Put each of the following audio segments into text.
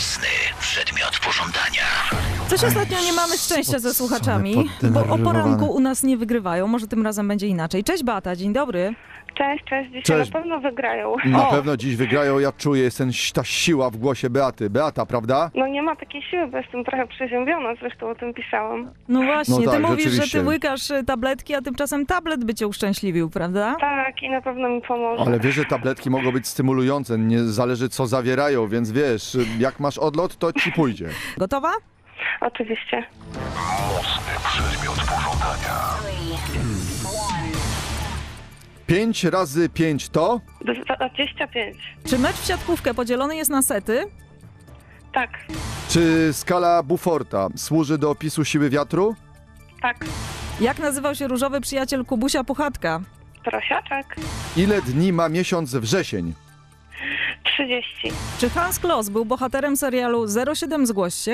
mocny przedmiot pożądania. Coś ostatnio nie mamy szczęścia ze słuchaczami, bo o poranku u nas nie wygrywają. Może tym razem będzie inaczej. Cześć Beata, dzień dobry. Cześć, dzisiaj Cześć. na pewno wygrają. Na pewno dziś wygrają, ja czuję, jest ta siła w głosie Beaty. Beata, prawda? No nie ma takiej siły, bo jestem trochę przeziębiona, zresztą o tym pisałam. No właśnie, No tak, ty mówisz, że rzeczywiście. ty łykasz tabletki, a tymczasem tablet by cię uszczęśliwił, prawda? Tak, i na pewno mi pomoże. Ale wiesz, że tabletki mogą być stymulujące, nie zależy co zawierają, więc wiesz, jak masz odlot, to ci pójdzie. Gotowa? Oczywiście. Mocny przedmiot pożądania. 5 razy 5 to? 25. Czy mecz w siatkówkę podzielony jest na sety? Tak, Czy skala Beauforta służy do opisu siły wiatru? tak. Jak nazywał się różowy przyjaciel Kubusia Puchatka? Prosiaczek. Ile dni ma miesiąc wrzesień? 30. Czy Hans Kloss był bohaterem serialu 07 Zgłoś się?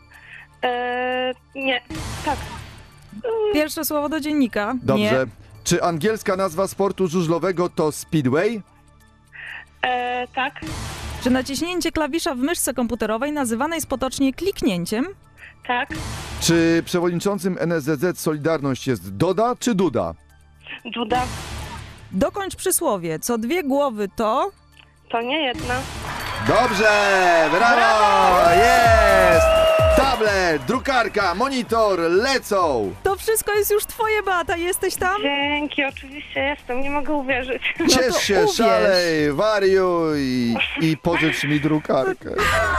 Nie. Tak. Pierwsze słowo do dziennika? Dobrze. Nie. Czy angielska nazwa sportu żużlowego to speedway? Tak. Czy naciśnięcie klawisza w myszce komputerowej nazywane jest potocznie kliknięciem? Tak. Czy przewodniczącym NSZZ Solidarność jest Doda czy Duda? Duda. Dokończ przysłowie. Co dwie głowy to... To nie jedna. Dobrze! Brawo! Jest! Tablet, drukarka, monitor lecą! To wszystko jest już twoje, Beata. Jesteś tam? Dzięki, oczywiście jestem. Nie mogę uwierzyć. Ciesz się, uwierz. szalej, wariuj i pożycz mi drukarkę.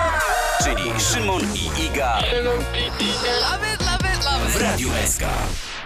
Czyli Szymon i Iga w Radiu SK.